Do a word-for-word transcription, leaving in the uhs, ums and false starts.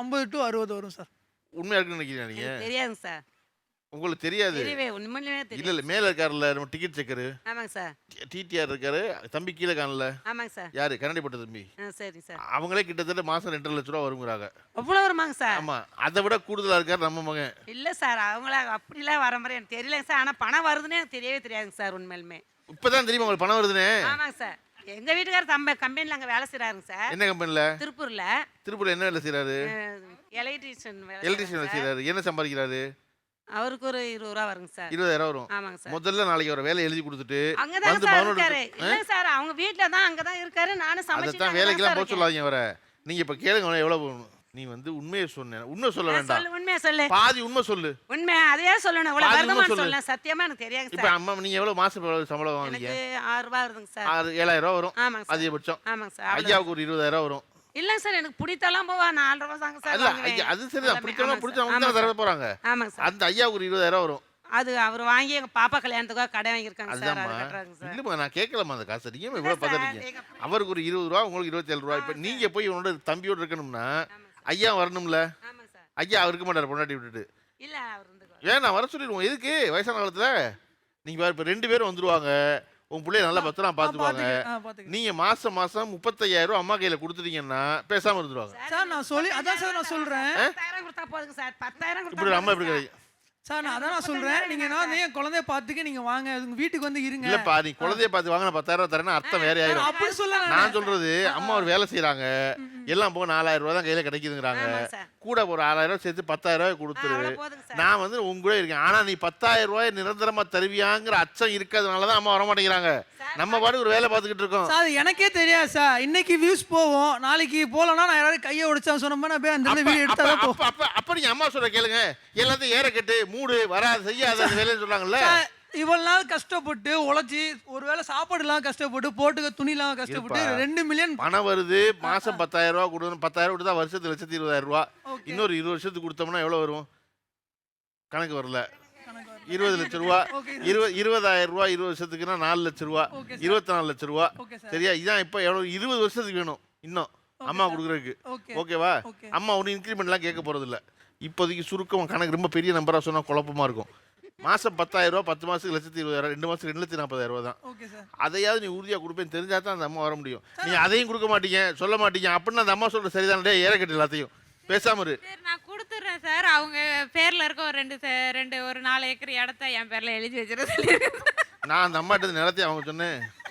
ஐம்பது டு அறுபது வரும் சார். உண்மையா இருக்குன்னு நினைக்கிறீங்க நீங்க? எனக்கு தெரியாதுங்க சார். உங்களுக்கு தெரியாது? தெரியவே உண்மையிலேயே இல்ல தெரியாது. இல்ல மேல இருக்காருல்ல நம்ம டிக்கெட் செக்கரு. ஆமாங்க சார். டிடிஆர் இருக்காரு. தம்பி கீழ காணல. ஆமாங்க சார். யாரு? கரண்டிப்பட்ட தம்பி. ஆ சரிங்க சார். அவங்களே கிட்டத்தட்ட மாசம் ரெண்டரை லட்சம் ரூபா வருங்கிறாங்க. அவ்வளோ வருமாங்க சார்? ஆமா. அதை விட கூடுதலா இருக்காரு நம்ம மகன். இல்ல சார் அவங்கள அப்படிலாம் வர மாதிரி எனக்கு தெரியலங்க சார். ஆனா பணம் வருதுன்னு எனக்கு தெரியவே தெரியாதுங்க சார் உண்மையிலுமே. இப்பதான் தெரியுமா உங்களுக்கு பணம் வருதுன்னு? ஆமாங்க சார். எங்க வீட்டுக்காரர் தம்ப கம்பெனில அங்க வேலை செய்றாருங்க சார். என்ன கம்பெனில? திருப்பூர்ல. திருப்பூர்ல என்ன வேலை செய்றாரு? எலக்ட்ரிஷியன் வேலை. எலக்ட்ரிஷியன் வேலை செய்றாரு. என்ன சம்பாதிக்கிறாரு? அவருக்கு ஒரு இருபது ரூபா வருங்க சார். இருபதாயிரம் வரும். ஆமாங்க சார். முதல்ல நாளைக்கு ஒரு வேலை எழுதி கொடுத்துட்டு அங்கதான் வந்து சார் மகனோட இருக்காரு. இல்ல சார் அவங்க வீட்ல தான் அங்க தான் இருக்காரு. நானும் சமைச்சிட்டு அதான் வேலைக்கெல்லாம் போக சொல்லாதீங்க அவரை. நீங்க இப்ப கேளுங்க எவ்வளவு போகணும். நீ வந்து உண்மையை சொன்ன. உண்மை சொல்ல வேண்டாம். சொல்லு உண்மையா சொல்லு. பாதி உண்மை சொல்லு. உண்மை அதையே சொல்லணும். இவ்வளவு பாதி உண்மை வருமானம் சொல்லு. சொல்லலாம். சத்தியமா எனக்கு தெரியாதுங்க இப்ப சார். அம்மா நீங்க எவ்வளவு மாசம் எவ்வளவு சம்பளம் வாங்குறீங்க? எனக்கு ஆறு ரூபாய் வருதுங்க சார். ஆறு ஏழாயிரம் ரூபாய் வரும். ஆமாங்க சார். அதிகபட்சம். ஆமாங்க சார். ஐயாவுக்கு ஒரு இருபதாயிரம் வரும். இல்ல சார் எனக்கு பிடித்தலாம் போவா நாலு ரூபாய் தாங்க சார் இல்ல வாங்குவேன். அது சரிதான். பிடிச்சவங்க பிடிச்சவங்க தான் தர போறாங்க. ஆமாங்க சார். அந்த ஐயாவுக்கு ஒரு இருபதாயிரம் வரும். அது அவர் வாங்கி எங்க பாப்பா கல்யாணத்துக்காக கடை வாங்கியிருக்காங்க சார். அது அதுதான்மா. கட்டுறாங்க சார். இல்லம்மா நான் கேட்கலாமா அந்த காசை? நீங்க இவ்வளவு சார், பதறீங்க. எங்க- அவருக்கு ஒரு இருபது ரூபா உங்களுக்கு இருபத்தி ஏழு ரூபா. இப்ப நீங்க போய் உன்னோட தம்பியோட இருக்கணும்னா ஐயா வரணும்ல. ஆமாங்க சார். ஐயா இருக்க மாட்டாரு பொண்டாட்டி விட்டுட்டு. இல்ல அவர் இருந்து ஏன் நான் வர சொல்லிடுவோம். எதுக்கு வயசான காலத்துல நீங்க பாரு இப்ப ரெண்டு பேரும் வந்துருவாங்க. உங்க பிள்ளைய நல்லா பத்திரம் பாத்துக்குவாங்க. ஆ பாத்துக்கிறேன். நீங்க மாசம் மாசம் முப்பத்தையாயிரம் ரூபாய் அம்மா கையில கொடுத்துட்டீங்கன்னா பேசாம இருந்துருவாங்க. சார் நான் சொல்லி அதான் சார் நான் சொல்றேன். பத்தாயிரம் கொடுத்தா போதுங்க சார். பத்தாயிரம் இப்படி கொடுத்தா அம்மா இப்படி போதுங்க கிடையாது. சார் நான் அதான் நான் சொல்றேன். நீங்க நான் என் குழந்தைய பாத்துக்க நீங்க வாங்க. உங்க வீட்டுக்கு வந்து இருங்க. இல்லப்பா நீ குழந்தைய பார்த்து வாங்கின பத்தாயிரம் ரூபாய் தரேன்னா அர்த்தம் வேற நான் ஆயிரும். அப்படி சொல்ல நான் சொல்றது அம்மா ஒரு வேலை செய்யறாங்க. எல்லாம் போக நாலாயிரம் ரூபாய் தான் கையில கிடைக்குதுங்கிறாங்க. ஆமாங்க சார். கூட ஒரு ஆறாயிரம் ரூபாய் சேர்த்து பத்தாயிரம் ரூபாய் ஆ, கொடுத்துரு. அவ்வளவு போதுங்க சார். நான் வந்து உங்க கூட இருக்கேன். ஆனா நீ பத்தாயிரம் ரூபாய் நிரந்தரமா தருவியாங்கிற அச்சம் இருக்கிறதுனாலதான் அம்மா வர மாட்டேங்கிறாங்க. நம்ம பாட்டு ஒரு வேலை பார்த்துக்கிட்டு இருக்கோம். சார் எனக்கே தெரியாது சார். இன்னைக்கு வியூஸ் போவோம். நாளைக்கு போலனா நான் யாராவது கையை உடைச்சா சொன்னோம்னா நான் போய் அந்த அப்ப- வீடியோ எடுத்தா தான் அப்ப- போவோம். அப்ப- அப்ப- அப்ப நீங்க அம்மா சொல்ற கேளுங்க. எல்லாத்தையும் ஏற கட்டு மூடு வராது செய்யாத அந்த வேலைன்னு சொல்றாங்கல்ல. சார், இவ்வளவு நாள் கஷ்டப்பட்டு உழைச்சி ஒருவேளை சாப்பாடு எல்லாம் கஷ்டப்பட்டு போட்டுக்க துணி எல்லாம் கஷ்டப்பட்டு இருப்பா. ரெண்டு மில்லியன் பணம் வருது மாசம் பத்தாயிரம் ரூபாய் கொடுக்கணும். பத்தாயிரம் கொடுத்தா வருஷத்துக்கு லட்சத்தி இருபதாயிரம் ரூபாய். ஓகே. இன்னொரு இருபது வருஷத்துக்கு கொடுத்தோம்னா எவ்வளவு வரும்? கணக்கு வரல. இருபது லட்சம் ரூபா. ஓகே இருபது இருபதாயிரம் ரூபாய் இருபது வருஷத்துக்குன்னா நாலு லட்சம் ரூபா. Okay sir. இருபத்தி நாலு லட்சம் ரூபா. Okay sir. சரியா? இதான் இப்ப எவ்வளவு இருபது வருஷத்துக்கு வேணும் இன்னும் அம்மா கொடுக்குறதுக்கு. ஓகே. ஓகேவா? ஓகே. அம்மா ஒரு இன்க்ரிமெண்ட்லாம் கேட்க போறது இல்ல. இப்போதைக்கு சுருக்கம் கணக்கு ரொம்ப பெரிய நம்பரா சொன்னா குழப்பமா இருக்கும். மாசம் பத்தாயிரம் ரூபாய் பத்து மாசத்துக்கு லட்சத்தி இருபதாயிரம் ரெண்டு மாசத்துக்கு ரெண்டு லட்சத்தி நாற்பதாயிரம் ரூபாய் தான். Okay sir. அதையாவது நீ உறுதியா கொடுப்பேன்னு தெரிஞ்சா தான் அந்த அம்மா வர முடியும். நீ அதையும் கொடுக்க மாட்டீங்க சொல்ல மாட்டீங்க அப்படின்னு அந்த அம்மா சொல்ற சரிதானே? ஏற கட்டு எல்லாத்தையும் பேசாம இரு. சரி நான் கொடுத்துட்றேன் சார். அவங்க பேர்ல இருக்க ஒரு ரெண்டு ச- ரெண்டு ஒரு நாலு ஏக்கர் இடத்த என் பேர்ல எழுதி வச்சிருக்க சொல்லியிருக்கேன். நான் அந்த அம்மாட்ட நிலத்தையும் அவங்க சொன்னேன்.